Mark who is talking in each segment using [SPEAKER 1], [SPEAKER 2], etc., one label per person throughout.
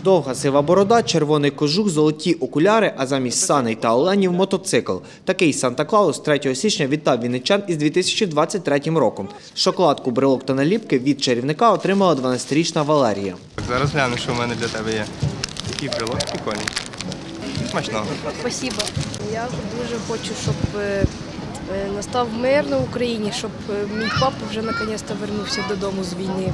[SPEAKER 1] Довга сива борода, червоний кожух, золоті окуляри, а замість саней та оленів – мотоцикл. Такий Санта-Клаус 3 січня вітав вінничан із 2023 роком. Шоколадку, брелок та наліпки від чарівника отримала 12-річна Валерія.
[SPEAKER 2] Зараз гляну, що в мене для тебе є. Такий брелок прикольний. Смачного.
[SPEAKER 3] Спасибо. Я дуже хочу, щоб настав мир на Україні, щоб мій папа вже наконець-то вернувся додому з війни.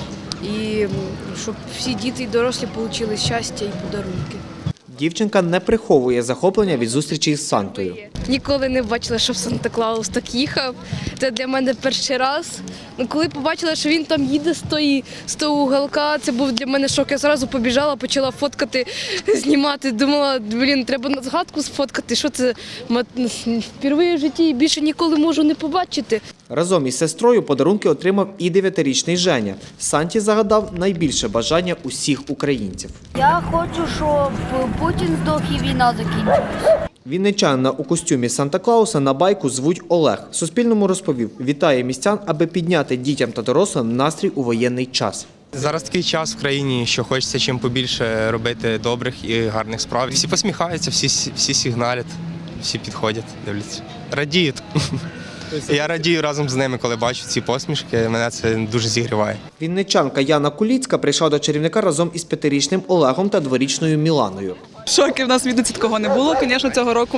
[SPEAKER 3] І щоб всі діти і дорослі отримали щастя і подарунки.
[SPEAKER 1] Дівчинка не приховує захоплення від зустрічі із Сантою.
[SPEAKER 3] Ніколи не бачила, щоб Санта-Клаус так їхав. Це для мене перший раз. Коли побачила, що він там їде з того уголка, це був для мене шок. Я одразу побіжала, почала фоткати, знімати. Думала, треба на згадку сфоткати, що це вперше в житті і більше ніколи можу не побачити.
[SPEAKER 1] Разом із сестрою подарунки отримав і 9-річний Женя. Санті загадав найбільше бажання усіх українців.
[SPEAKER 4] Я хочу, щоб Путін здох і війна закінчилась.
[SPEAKER 1] Вінничанина у костюмі Санта-Клауса на байку звуть Олег. Суспільному розповів, вітає містян, аби підняти дітям та дорослим настрій у воєнний час.
[SPEAKER 2] Зараз такий час в країні, що хочеться чим побільше робити добрих і гарних справ. Всі посміхаються, всі сигналять, всі підходять, дивляться. Радіють. Я радію разом з ними, коли бачу ці посмішки, мене це дуже зігріває.
[SPEAKER 1] Вінничанка Яна Куліцька прийшла до чарівника разом із 5-річним Олегом та 2-річною Міланою.
[SPEAKER 5] Шоки в нас від такого не було, звісно, цього року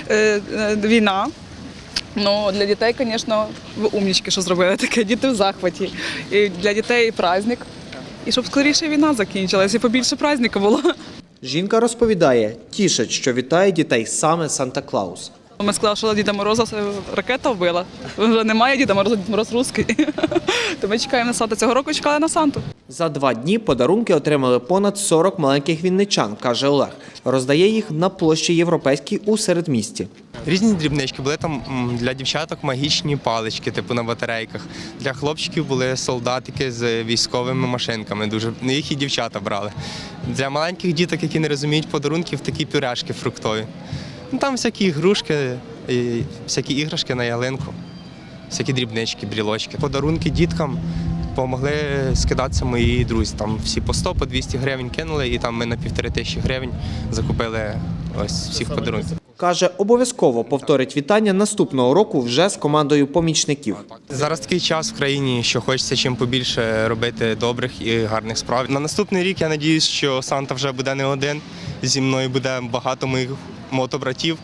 [SPEAKER 5] війна. Ну, для дітей, звісно, ви умнічки, що зробили таке, діти в захваті. І для дітей праздник. І щоб скоріше війна закінчилася, і побільше праздника було.
[SPEAKER 1] Жінка розповідає, тішить, що вітає дітей саме Санта-Клаус.
[SPEAKER 5] Ми сказали, що Діда Мороза ракета вбила. Вже немає Діда Мороза, Дід Мороз русський. То ми чекаємо на Санту. Цього року чекали на Санту.
[SPEAKER 1] За 2 дні подарунки отримали понад 40 маленьких вінничан, каже Олег. Роздає їх на площі Європейській у середмісті.
[SPEAKER 2] Різні дрібнички, були там для дівчаток магічні палички, типу на батарейках. Для хлопчиків були солдатики з військовими машинками, їх і дівчата брали. Для маленьких діток, які не розуміють подарунків, такі пюрешки фруктові. Там всякі ігрушки, всякі іграшки на ялинку, всякі дрібнички, брілочки. Подарунки діткам допомогли скидатися мої друзі. Там всі по 100, по 200 гривень кинули, і там ми на 1500 гривень закупили ось всіх подарунків.
[SPEAKER 1] Каже, обов'язково повторить вітання наступного року вже з командою помічників.
[SPEAKER 2] Зараз такий час в країні, що хочеться чим побільше робити добрих і гарних справ. На наступний рік я сподіваюся, що Санта вже буде не один, зі мною буде багато моїх мотобратів,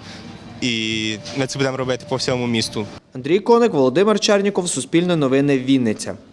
[SPEAKER 2] і ми це будемо робити по всьому місту.
[SPEAKER 1] Андрій Коник, Володимир Черніков, Суспільне новини, Вінниця.